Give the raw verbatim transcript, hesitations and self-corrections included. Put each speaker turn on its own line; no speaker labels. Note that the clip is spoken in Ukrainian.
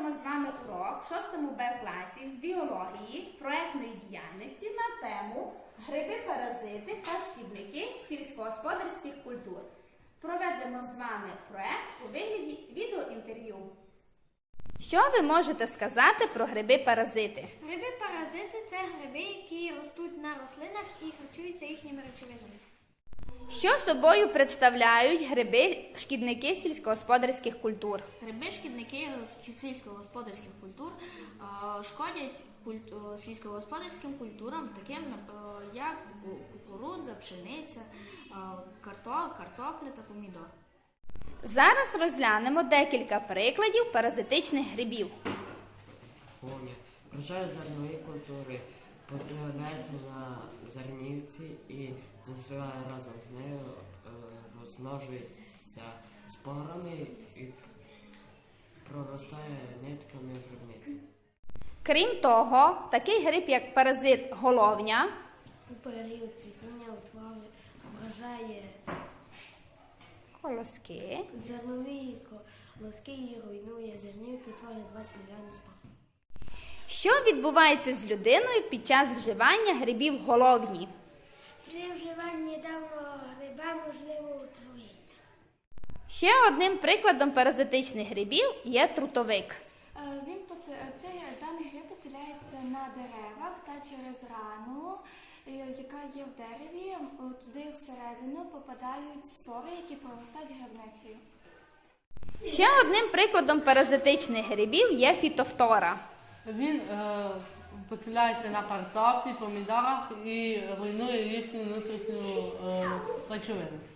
проводимо з вами урок в шостому Б класі з біології проектної діяльності на тему гриби-паразити та шкідники сільськогосподарських культур. Проведемо з вами проект у вигляді відеоінтерв'ю. Що ви можете сказати про гриби-паразити?
Гриби-паразити – це гриби, які ростуть на рослинах і харчуються їхніми речовинами.
Що собою представляють гриби-шкідники сільськогосподарських культур?
Гриби-шкідники сільськогосподарських культур е, шкодять культу, сільськогосподарським культурам, таким е, як кукурудза, пшениця, е, карто, картопля та помідор.
Зараз розглянемо декілька прикладів паразитичних грибів.
Врожай зернової культури поселяється на зернівці і застріває разом з нею, розмножується спорами і проростає нитками в грибниці.
Крім того, такий гриб, як паразит головня,
у період цвітіння вражає
колоски,
зернові колоски і руйнує зернівки, творить двадцять мільйонів спор.
Що відбувається з людиною під час вживання грибів головні?
При вживанні даного гриба можливо отруєння.
Ще одним прикладом паразитичних грибів є трутовик.
Він цей даний гриб поселяється на деревах та через рану, яка є в дереві, туди всередину попадають спори, які проростають грибницею.
Ще одним прикладом паразитичних грибів є фітофтора.
Він е, поселяється на картоплі, помідорах і руйнує їхню внутрішню е, речовину.